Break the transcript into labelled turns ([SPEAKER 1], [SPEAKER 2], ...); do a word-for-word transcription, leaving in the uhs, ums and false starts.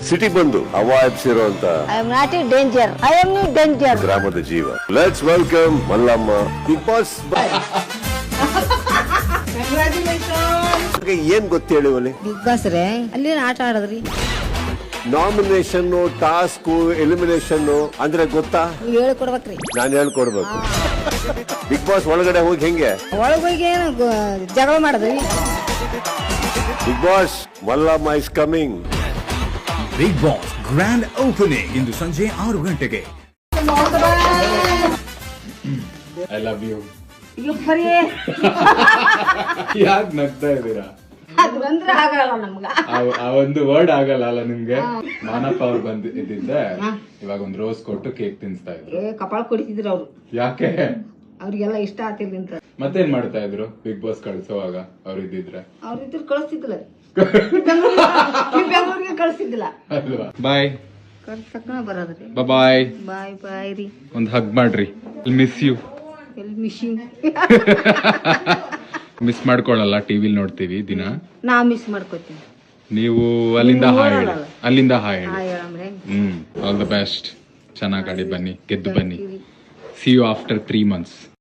[SPEAKER 1] City ಬಂದು ಅವಾಯಿಸಿರುವಂತ
[SPEAKER 2] I am not in danger I am in danger
[SPEAKER 1] ಗ್ರಾಮದ ಜೀವ. Let's welcome Mallamma Bigg Boss. ಏನ್ ಗೊತ್ತೇಳಿ ಒಲಿ
[SPEAKER 2] ಬಿಗ್ ಬಾಸ್ ರೇ ಅಲ್ಲಿ ಆಟ ಆಡದ್ರಿ.
[SPEAKER 1] ನಾಮಿನೇಷನ್ ಟಾಸ್ಕ್ ಎಲಿಮಿನೇಷನ್ ಅಂದ್ರೆ ಗೊತ್ತಾ?
[SPEAKER 2] ನೀವು ಹೇಳ್ಕೊಡ್ಬೇಕ್ರಿ.
[SPEAKER 1] ನಾನು ಹೇಳ್ಕೊಡ್ಬೇಕು. ಬಿಗ್ ಬಾಸ್ ಒಳಗಡೆ ಹೋಗಿ ಹೆಂಗೆ
[SPEAKER 2] ಒಳಗ್ ಹೋಗಿ ಏನು ಗೊ- ಜಗಳ ಮಾಡದ್ರಿ.
[SPEAKER 1] Bigg Boss Mallamma is coming.
[SPEAKER 3] Bigg Boss grand opening ಇಂದು ಸಂಜೆ ಆರು ಗಂಟೆಗೆ.
[SPEAKER 4] I love you.
[SPEAKER 2] ಬರೀ
[SPEAKER 4] ಯಾಕೆ ನಗ್ತಾ ಇದ್ದೀರಾ?
[SPEAKER 2] ಅದು ಬಂದ್ರೆ ಆಗಲ್ಲ ನಮ್ಗ.
[SPEAKER 4] ಆ- ಆ ಒಂದು ವರ್ಡ್ ಆಗಲ್ಲ ಅಲ್ಲ ನಿಮ್ಗೆ? ಮಾನಪ್ಪ ಅವ್ರು ಬಂದ್ ಇದ್ದಿದ್ದೆ ಇವಾಗ ಒಂದ್ ರೋಸ್ ಕೊಟ್ಟು ಕೇಕ್ ತಿನ್ಸ್ತಾ ಇದ್ರು.
[SPEAKER 2] ಏ ಕಪಾಳ ಕೊಡಿಸಿದ್ರು ಅವ್ರು.
[SPEAKER 4] ಯಾಕೆ?
[SPEAKER 2] ಅವ್ರಿಗೆಲ್ಲ ಇಷ್ಟ ಆಗ್ತಿರ್ಲಿ ಅಂತ.
[SPEAKER 4] ಮತ್ತೇನ್ ಮಾಡ್ತಾ ಇದ್ರು ಬಿಗ್ ಬಾಸ್ ಕಳ್ಸೋವಾಗ ಅವ್ರು ಇದ್ದಿದ್ರೆ?
[SPEAKER 2] ಅವ್ರಿದ್ರು ಕಳಿಸ್ತಿದ್ದಿಲ್ಲ. ಬೆಂಗಳೂರಿಗೆ ಕಳಿಸ್ತಿದ್ದಿಲ್ಲ.
[SPEAKER 4] ಅಲ್ವಾ? ಬಾಯ್
[SPEAKER 2] ಕಳ್ಸಕ್ಕನ ಬರೋದ್ರಿ.
[SPEAKER 4] ಬಾಯ್.
[SPEAKER 2] ಬಾಯ್ ಬಾಯ್ ರೀ.
[SPEAKER 4] ಒಂದ್ ಹಗ್ ಮಾಡ್ರಿ. Miss you.
[SPEAKER 2] ಎಲ್ಲಿ ಮಿಷಿಂಗ್
[SPEAKER 4] ಮಿಸ್ ಮಾಡ್ಕೊಳಲ್ಲ, ಟಿವಿಲ್ ನೋಡ್ತೀವಿ ದಿನ.
[SPEAKER 2] ನಾ ಮಿಸ್ ಮಾಡ್ಕೋತೀನಿ.
[SPEAKER 4] ನೀವು ಅಲ್ಲಿಂದ
[SPEAKER 2] ನೀವು
[SPEAKER 4] ಹಾಯ್ ಹೇಳಿ.
[SPEAKER 2] ನೋಡಲ್ಲ.
[SPEAKER 4] ಅಲ್ಲಿಂದ ಹಾಯ್ ಹೇಳಿ.
[SPEAKER 2] ಹಾಯ್ ಹೇಳಮ್ರೆ.
[SPEAKER 4] Hmm all the best. ಚೆನ್ನಾಗಿ ಆಡಿ ಬನ್ನಿ, ಗೆದ್ದು ಬನ್ನಿ. See you after three months.